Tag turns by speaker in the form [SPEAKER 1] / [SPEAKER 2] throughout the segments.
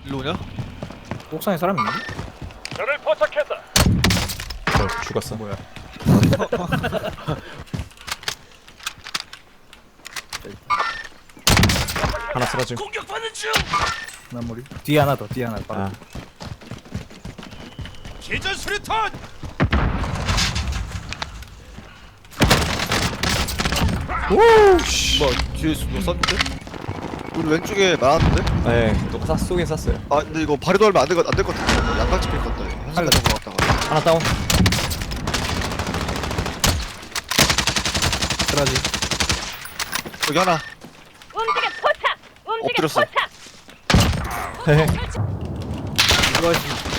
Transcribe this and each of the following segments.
[SPEAKER 1] 일로 오냐?
[SPEAKER 2] 옥상에 사람 있는데?
[SPEAKER 3] 저를 포착했다.
[SPEAKER 4] 죽었어.
[SPEAKER 2] 뭐야?
[SPEAKER 4] 하나 쓰러짐.
[SPEAKER 3] 공격받는 중.
[SPEAKER 2] 나머리 뒤에 하나 더, 뒤에 하나 더.
[SPEAKER 4] 아,
[SPEAKER 3] 기전 수류탄.
[SPEAKER 1] 뭐 뒤에서 뭐 쐈는데? 우리 왼쪽에 많았는데?
[SPEAKER 4] 네, 또 쏘긴 쐈어요.
[SPEAKER 1] 아 근데 이거 발에도 얼마 안될 것 같아. 양각 찍힐 것 같다.
[SPEAKER 2] 할래.
[SPEAKER 1] 한순간 것 같다가.
[SPEAKER 4] 하나 다운.
[SPEAKER 2] 쓰러지.
[SPEAKER 1] 여기 하나.
[SPEAKER 5] 움직여 포착! 움직여
[SPEAKER 1] 엎드렸어.
[SPEAKER 5] 포착!
[SPEAKER 4] 헤헤.
[SPEAKER 2] 이거지.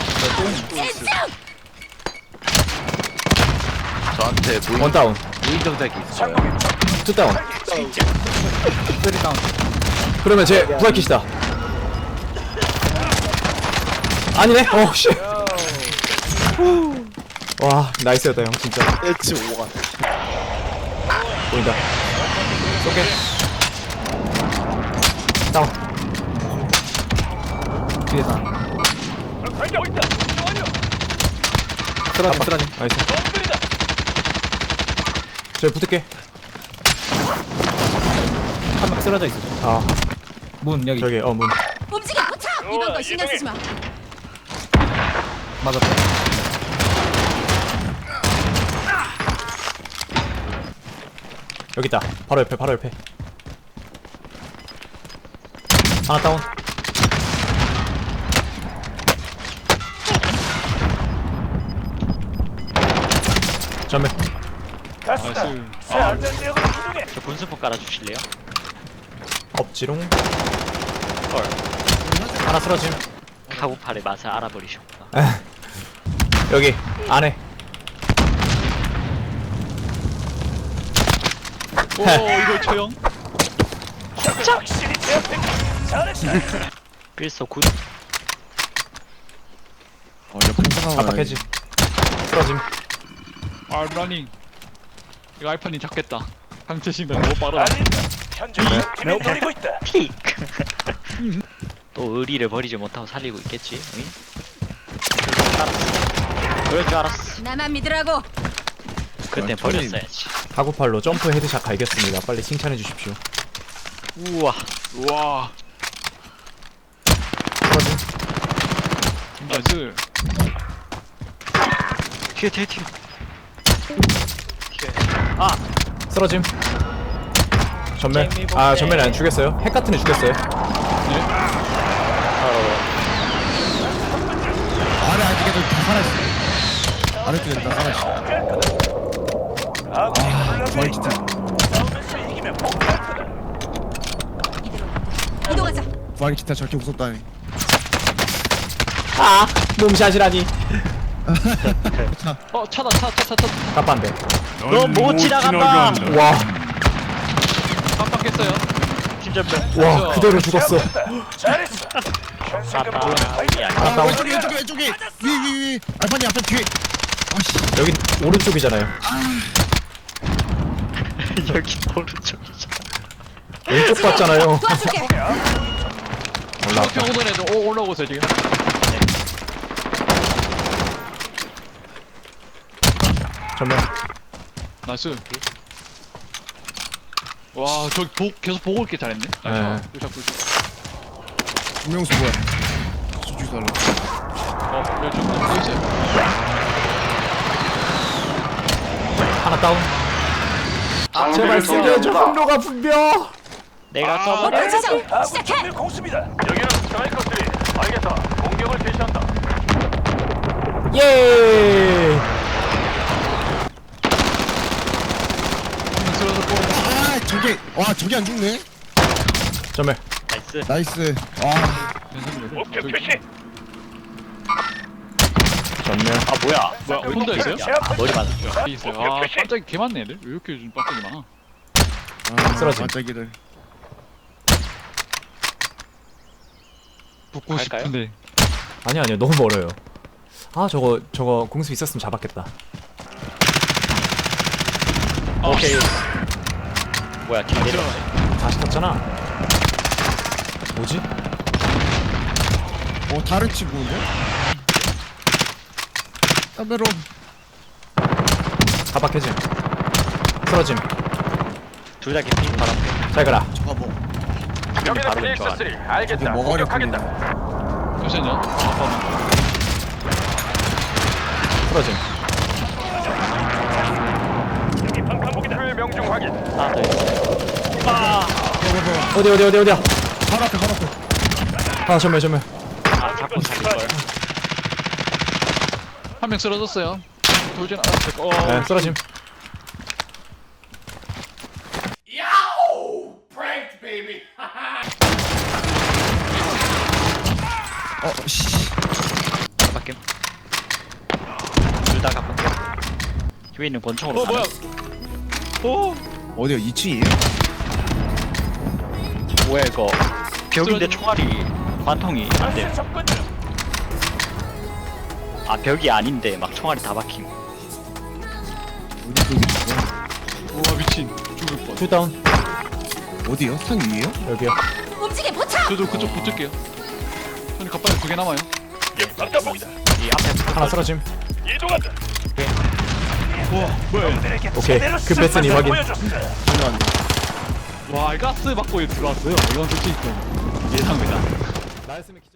[SPEAKER 6] 저한테
[SPEAKER 4] 원 다운.
[SPEAKER 6] 무인정작이 있어요.
[SPEAKER 4] 투 다운.
[SPEAKER 2] 쓰리 다운.
[SPEAKER 4] 그러면 제 부활킷이다. 아니네. 어 씨. 와 나이스였다 형 진짜.
[SPEAKER 1] 엣지 5가.
[SPEAKER 4] 보인다. 쏘게. 다운.
[SPEAKER 2] 뒤에 다.
[SPEAKER 3] 달려고 있다. 완료.
[SPEAKER 2] 쓰러지, 쓰러지.
[SPEAKER 4] 나이스.
[SPEAKER 3] 놈들이다.
[SPEAKER 4] 저 붙을게.
[SPEAKER 2] 한 명 쓰러져 있어.
[SPEAKER 4] 아
[SPEAKER 2] 문 여기.
[SPEAKER 4] 저기 문.
[SPEAKER 5] 움직여 포착! 이번 거 신경 쓰지 마.
[SPEAKER 2] 맞았다.
[SPEAKER 4] 여기 있다. 바로 옆에 바로 옆에. 하나 다운. 전멸.
[SPEAKER 3] 가스다. 새 안전지역으로 이동해.
[SPEAKER 7] 저 군수포 깔아주실래요?
[SPEAKER 4] 엎지롱.
[SPEAKER 7] 헐.
[SPEAKER 4] 하나 쓰러짐.
[SPEAKER 7] 카구팔의 맛을 알아버리셨구나.
[SPEAKER 4] 여기 안에.
[SPEAKER 3] 오 이거 처형. 확실히 제압했다. 잘했어.
[SPEAKER 7] 필서 굿.
[SPEAKER 4] 압박해지. 쓰러짐.
[SPEAKER 8] 아 러닝 이거 알파님 잡겠다. 상체 신경 너무 빠르다.
[SPEAKER 3] 알린다. 현재 팀이 노리고 있다.
[SPEAKER 7] 픽. 또 의리를 버리지 못하고 살리고 있겠지. 응? 그럴 줄 알았어.
[SPEAKER 5] 나만 믿으라고.
[SPEAKER 7] 그땐 버렸어야지.
[SPEAKER 4] 가구팔로 점프 헤드샷 갈겼습니다. 빨리 칭찬해 주십시오.
[SPEAKER 7] 우와.
[SPEAKER 8] 우와
[SPEAKER 4] 쓰러짐.
[SPEAKER 8] 나이스.
[SPEAKER 7] 튀어 튀어 튀어.
[SPEAKER 4] 쓰러짐. 전멸. 아 전멸이 안 죽였어요. 핵 같은 애 죽였어요.
[SPEAKER 6] 아래 아직도 다 살아있어. 아래쪽에 다 살아있어.
[SPEAKER 3] 아군이
[SPEAKER 6] 기타.
[SPEAKER 3] 싸우면서 이기면 폭발 거다.
[SPEAKER 5] 이동하자.
[SPEAKER 6] 부활 기타 저렇게 무섭다니.
[SPEAKER 4] 아 몸샷이라니.
[SPEAKER 8] 어 차다 차.
[SPEAKER 4] 깜빡한데.
[SPEAKER 7] 너 못 지나간다.
[SPEAKER 4] 와.
[SPEAKER 8] 깜빡했어요.
[SPEAKER 7] 진짜
[SPEAKER 4] 와 그대로 죽었어.
[SPEAKER 3] 잘했어. 현상금
[SPEAKER 7] 아빠.
[SPEAKER 3] 보는
[SPEAKER 4] 하나 다운.
[SPEAKER 6] 왼쪽에. 위. 알파니 앞에 뒤에. 아씨.
[SPEAKER 4] 여기 오른쪽이잖아요.
[SPEAKER 7] 여기 오른쪽이잖아.
[SPEAKER 4] 왼쪽 봤잖아요.
[SPEAKER 5] 도와줄게.
[SPEAKER 4] 올라왔다.
[SPEAKER 8] 저렇게 오던 애들 올라오고 있어요 지금.
[SPEAKER 4] 전멸.
[SPEAKER 8] 나이스. 와, 저 계속 보고 있게 잘했네.
[SPEAKER 4] 네.
[SPEAKER 8] 꿀샷.
[SPEAKER 6] 김명수 뭐야? 수주 달라.
[SPEAKER 8] 여기 또 있어요.
[SPEAKER 4] 하나 다운. 제발 쓰게 해줘. 분노가 분벼.
[SPEAKER 7] 내가 써버려.
[SPEAKER 5] 목표 지정.
[SPEAKER 3] 아군
[SPEAKER 5] 시작해.
[SPEAKER 3] 팀의 공습이다. 여기는 스트라이커들이. 알겠다. 공격을 개시한다.
[SPEAKER 4] 예.
[SPEAKER 8] 한명 쓰러졌고.
[SPEAKER 6] 아 저게 안 죽네.
[SPEAKER 4] 전멸.
[SPEAKER 7] 나이스.
[SPEAKER 6] 나이스. 와.
[SPEAKER 3] 목표 표시.
[SPEAKER 4] 전멸.
[SPEAKER 7] 아 뭐야?
[SPEAKER 8] 뭐야, 혼자 있어요?
[SPEAKER 7] 아, 머리 맞았죠.
[SPEAKER 8] 여기 있어요. 아, 깜짝이 개 많네 애들. 왜 이렇게 요즘 깜짝이 많아?
[SPEAKER 4] 쓰러짐.
[SPEAKER 6] 반짝이들.
[SPEAKER 8] 붙고
[SPEAKER 7] 갈까요?
[SPEAKER 8] 싶은데.
[SPEAKER 4] 아니요 너무 멀어요. 아 저거 공수 있었으면 잡았겠다.
[SPEAKER 8] 오케이.
[SPEAKER 7] 뭐야? 길 내려.
[SPEAKER 4] 다시 탔잖아. 뭐지?
[SPEAKER 6] 다른 친구인데? 카메론.
[SPEAKER 4] 가박해짐. 쓰러짐.
[SPEAKER 7] 둘다 개피 바로 앞에.
[SPEAKER 4] 잘 가라.
[SPEAKER 6] 저거 뭐
[SPEAKER 3] 여기는
[SPEAKER 7] 바로
[SPEAKER 3] 피닉스
[SPEAKER 7] 왼쪽
[SPEAKER 3] 3.
[SPEAKER 6] 이게
[SPEAKER 3] 알겠다.
[SPEAKER 6] 뭐가
[SPEAKER 3] 공격하겠다.
[SPEAKER 8] 잠시만요. 아빠는.
[SPEAKER 4] 쓰러짐.
[SPEAKER 3] 명중 확인.
[SPEAKER 7] 하나 더 있어.
[SPEAKER 4] 어디야?
[SPEAKER 6] 바로 앞에.
[SPEAKER 4] 하나 전멸.
[SPEAKER 7] 아 자꾸 살릴걸.
[SPEAKER 8] 한 명 쓰러졌어요. 돌진 않았을
[SPEAKER 4] 네, 쓰러짐.
[SPEAKER 6] 씨.
[SPEAKER 7] 바뀜. 둘다 갑박해. 뒤에 있는 권총으로.
[SPEAKER 8] 뭐야?
[SPEAKER 6] 어디야? 2층이에요?
[SPEAKER 7] 뭐야 이거? 벽인데
[SPEAKER 8] 쓰러진-
[SPEAKER 7] 총알이 관통이 안 돼. 아 벽이 아닌데 막 총알이 다 박힘.
[SPEAKER 6] 어디 쪽이 죽어?
[SPEAKER 8] 우와 미친. 죽을 뻔.
[SPEAKER 4] 투다운.
[SPEAKER 6] 어디요? 상 위에요?
[SPEAKER 4] 여기요.
[SPEAKER 5] 움직임 포착.
[SPEAKER 8] 저도 그쪽 붙을게요. 손이 갑자기 2개 남아요.
[SPEAKER 7] 이 앞에
[SPEAKER 4] 하나 쓰러짐.
[SPEAKER 3] 이동한다.
[SPEAKER 8] 뭐야?
[SPEAKER 4] 오케이. 급했으니 확인.
[SPEAKER 8] 와 가스 받고 들어왔어요. 이건 솔직히 좀 예상외다.
[SPEAKER 4] 나였으면